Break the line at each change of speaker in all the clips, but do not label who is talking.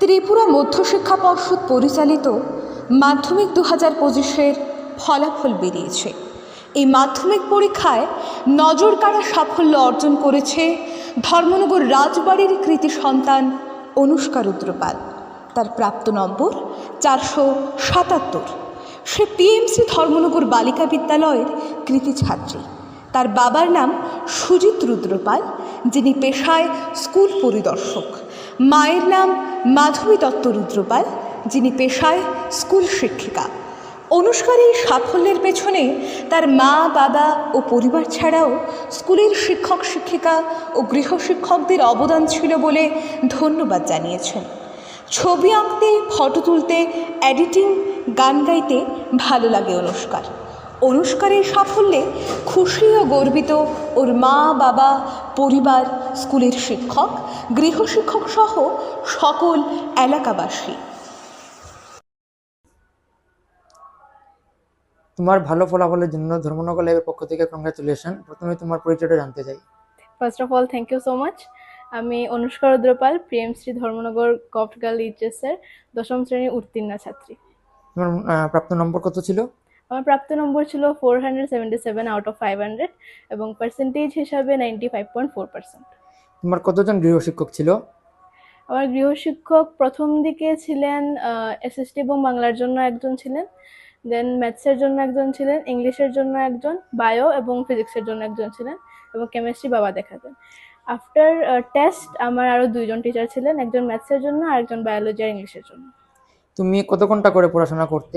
ত্রিপুরা মধ্যশিক্ষা পর্ষদ পরিচালিত মাধ্যমিক 2025-এর ফলাফল বেরিয়েছে। এই মাধ্যমিক পরীক্ষায় নজরকাড়া সাফল্য অর্জন করেছে ধর্মনগর রাজবাড়ির কৃতি সন্তান অনুষ্কা রুদ্রপাল। তার প্রাপ্ত নম্বর 477। সে পিএমসি ধর্মনগর বালিকা বিদ্যালয়ের কৃতি ছাত্রী। তার বাবার নাম সুজিত রুদ্রপাল, যিনি পেশায় স্কুল পরিদর্শক। মায়ের নাম মাধবী দত্ত রুদ্রপাল, যিনি পেশায় স্কুল শিক্ষিকা। অনুষ্কার এই সাফল্যের পেছনে তার মা, বাবা ও পরিবার ছাড়াও স্কুলের শিক্ষক শিক্ষিকা ও গৃহশিক্ষকদের অবদান ছিল বলে ধন্যবাদ জানিয়েছেন। ছবি আঁকতে, ফটো তুলতে, এডিটিং, গান গাইতে ভালো লাগে অনুষ্কার। অনুষ্কার এই সাফল্যে খুশি ও গর্বিত ওর মা, বাবা, পরিবার, স্কুলের শিক্ষক, গৃহশিক্ষক সহ সকল এলাকাবাসী।
তোমার ভালো ফলাফলের জন্য ধর্মনগর ল্যাবের পক্ষ থেকে কংগ্রাচুলেশন। প্রথমে তোমার পরিচয়টা জানতে চাই।
First of all thank you so much. আমি Anushka Rudrapal, PMC Dharmanagar government girl এইচএসের 10ম শ্রেণীর উত্তীর্ণা ছাত্রী।
তোমার প্রাপ্ত নম্বর কত ছিল?
আমার প্রাপ্ত নম্বর ছিল 477 আউট অফ 500 এবং পার্সেন্টেজ হিসাবে 95.4%।
তোমার কতজন গৃহশিক্ষক ছিল?
আমার গৃহশিক্ষক প্রথম দিকে ছিলেন এসএসটি এবং বাংলার জন্য একজন ছিলেন, দেন ম্যাথসের জন্য একজন ছিলেন, ইংলিশের জন্য একজন, বায়ো এবং ফিজিক্সের জন্য একজন ছিলেন এবং কেমিস্ট্রি বাবা দেখাতেন। আফটার টেস্ট আমার আরও 2জন টিচার ছিলেন, একজন ম্যাথসের জন্য আর একজন বায়োলজি আর ইংলিশের জন্য।
তুমি কত ঘন্টা করে পড়াশোনা করতে?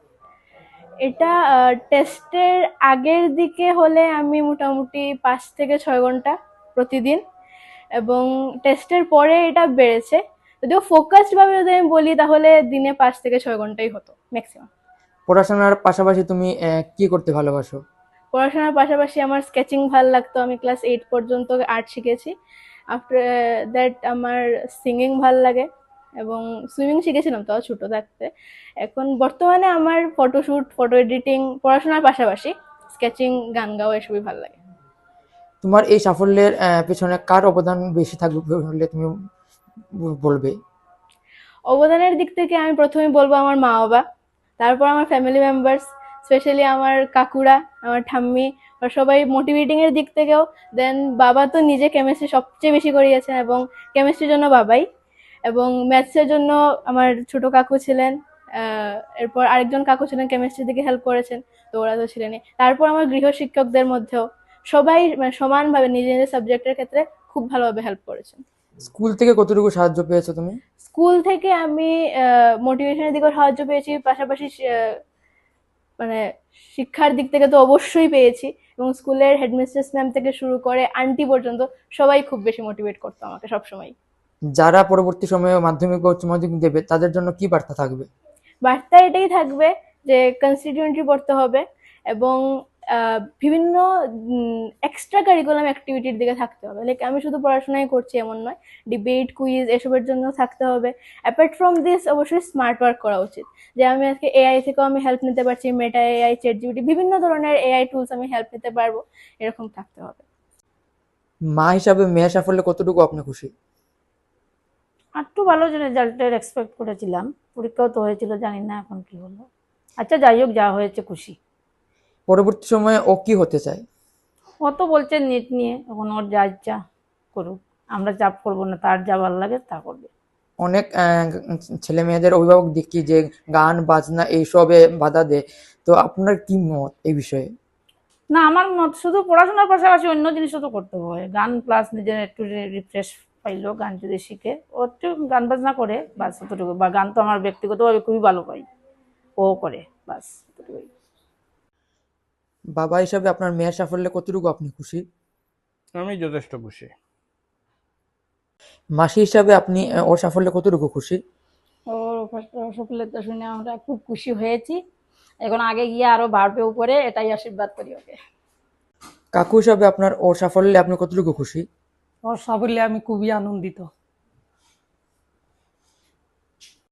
এটা টেস্টের আগের দিকে হলে আমি মোটামুটি 5 থেকে 6 ঘন্টা প্রতিদিন, এবং টেস্টের পরে এটা বেড়েছে। যদিও ফোকাসডভাবে যদি আমি বলি তাহলে দিনে 5 থেকে 6 ঘন্টাই হতো ম্যাক্সিমাম।
পড়াশোনার পাশাপাশি তুমি কি করতে ভালোবাসো?
পড়াশোনার পাশাপাশি আমার স্কেচিং ভালো লাগতো। আমি ক্লাস 8 পর্যন্ত আর্ট শিখেছি। আফটার দ্যাট আমার সিঙ্গিং ভাল লাগে এবং সুইমিং শিখেছিলাম তাও ছোটো থাকতে। এখন বর্তমানে আমার ফটোশ্যুট, ফটো এডিটিং, পড়াশোনার পাশাপাশি স্কেচিং, গান গাওয়া এসবই ভালো লাগে।
তোমার এই সাফল্যের পেছনে কার অবদান বেশি থাকবে বলে তুমি বলবে?
অবদানের দিক থেকে আমি প্রথমে বলবো আমার মা বাবা, তারপর আমার ফ্যামিলি মেম্বার্স, স্পেশালি আমার কাকুরা, আমার ঠাম্মি, আর সবাই মোটিভেটিং এর দিক থেকেও। দেন বাবা তো নিজে কেমিস্ট্রি সবচেয়ে বেশি করিয়েছেন এবং কেমিস্ট্রির জন্য বাবাই, এবং ম্যাথসের জন্য আমার ছোট কাকু ছিলেন, এরপর আরেকজন কাকু ছিলেন কেমিস্ট্রির দিকে হেল্প করেছেন, তো ওরা তো ছিলেনই। তারপর আমার গৃহ শিক্ষকদের মধ্যেও সবাই মানে সমানভাবে নিজের নিজের সাবজেক্টের ক্ষেত্রে খুব ভালোভাবে হেল্প করেছেন।
স্কুল থেকে কতটুকু সাহায্য পেয়েছো তুমি?
স্কুল থেকে আমি মোটিভেশনের দিকেও সাহায্য পেয়েছি, পাশাপাশি মানে শিক্ষার দিক থেকে তো অবশ্যই পেয়েছি, এবং স্কুলের হেডমিস্ট্রেস ম্যাম থেকে শুরু করে আন্টি পর্যন্ত সবাই খুব বেশি মোটিভেট করতো আমাকে সবসময়।
যারা পরবর্তী সময়ে মাধ্যমিক বা উচ্চ মাধ্যমিক দেবে তাদের জন্য কি বার্তা থাকবে?
বার্তা এটাই থাকবে যে কনস্টিটিউয়েন্টরি পড়তে হবে এবং বিভিন্ন এক্সট্রা কারিকুলাম অ্যাক্টিভিটির দিকে থাকতে হবে। লাইক আমি শুধু পড়াশোনাই করছি এমন নয়, ডিবেট, কুইজ এসবের জন্য থাকতে হবে। অ্যাপার্ট ফ্রম দিস অবশ্যই স্মার্ট ওয়ার্ক করা উচিত, যে আমি আজকে এআই থেকেও আমি হেল্প নিতে পারছি, মেটা এআই, চ্যাটজিপিটি, বিভিন্ন ধরনের এআই টুলস আমি হেল্প নিতে পারবো, এরকম থাকতে হবে।
মা হিসাবে মেয়ের সাফল্যে কতটুকু আপনি খুশি?
একটু ভালো যে রেজাল্টের এক্সপেক্ট করেছিলাম, পরীক্ষাও তো হয়েছিল, জানি না এখন কি হলো। আচ্ছা যাই হোক, যা হয়েছে খুশি।
পরবর্তী সময়ে ও কি হতে চায়?
ও তো বলছে নিট নিয়ে, এখন ওর যা ইচ্ছা করুক, আমরা চাপ করবো না, তার যা ভালো লাগে তা করবে।
অনেক ছেলে মেয়েদের অভিভাবক দেখি যে গান বাজনা এইসবে বাধা দেয়, তো আপনার কি মত এই বিষয়ে?
না, আমার মত শুধু পড়াশোনার পাশাপাশি অন্য জিনিসও তো করতে হয়। গান প্লাস নিজের একটু রিফ্রেশ পাইলো, গান যদি শিখে, ও একটু গান বাজনা করে বাস অতটুকু। বা গান তো আমার ব্যক্তিগতভাবে খুবই ভালো পাই, ও করে বাস অতটুকুই।
বাবা হিসাবে আপনার মেয়ের সাফল্যে কতটুকু আপনি খুশি?
আমি যথেষ্ট খুশি।
মাসি হিসাবে আপনি ওর সাফল্যে কতটুকু খুশি?
ওর সফলতা শুনে আমরা খুব খুশি হয়েছি। এখন আগে গিয়ে আরো বাড়বে উপরে, এটাই আশীর্বাদ করি ওকে।
কাকু হিসাবে আপনার ওর সাফল্যে আপনি কতটুকু খুশি?
ওর সাফল্যে আমি খুবই আনন্দিত।